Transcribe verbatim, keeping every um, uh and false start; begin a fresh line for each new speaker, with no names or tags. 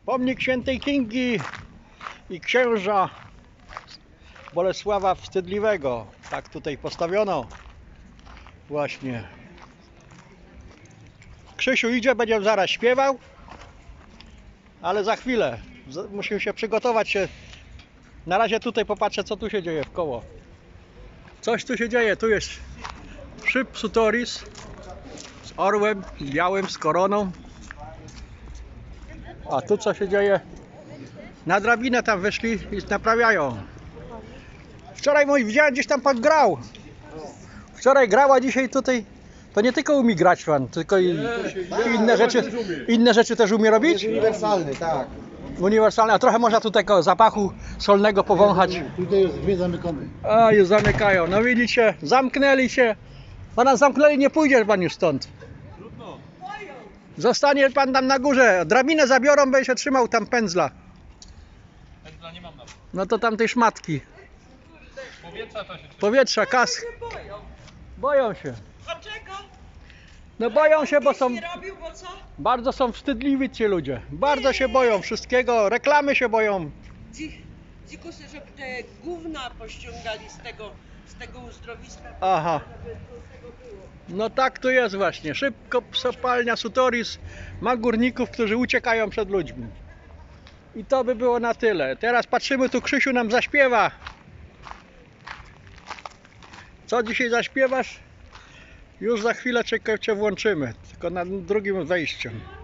Pomnik świętej Kingi i księża Bolesława Wstydliwego. Tak tutaj postawiono. Właśnie. Krzysiu idzie, będzie zaraz śpiewał. Ale za chwilę. Musimy się przygotować się. Na razie tutaj popatrzę, co tu się dzieje w koło. Coś tu się dzieje. Tu jest szyb Sutoris z orłem białym, z koroną. A tu co się dzieje? Na drabinę tam wyszli i naprawiają. Wczoraj mój widziałem, gdzieś tam pan grał. Wczoraj grał, a dzisiaj tutaj to nie tylko umie grać pan, tylko i, i inne rzeczy. Inne rzeczy też umie robić?
Uniwersalny, tak.
Uniwersalny, a trochę można tu tego zapachu solnego powąchać.
Tutaj jest dwie zamykane.
A już zamykają. No widzicie, zamknęli się. Pana zamknęli, nie pójdzie pan już stąd. Zostanie pan tam na górze. Drabinę zabiorą, będzie się trzymał tam pędzla.
Pędzla nie mam nawet.
No to tam tej szmatki.
Powietrza to się trzyma.
Powietrza, kask. Boją się.
Dlaczego?
No boją się, bo są...
Nie robił, bo co?
Bardzo są wstydliwi ci ludzie. Bardzo się boją wszystkiego. Reklamy się boją.
Ci, dzikusy, żeby te gówna pościągali z tego, z tego uzdrowiska.
Aha. No tak to jest właśnie. Szybko kopalnia Sutoris ma górników, którzy uciekają przed ludźmi. I to by było na tyle. Teraz patrzymy, tu Krzysiu nam zaśpiewa. Co dzisiaj zaśpiewasz? Już za chwilę cię, cię włączymy. Tylko na drugim wejściu.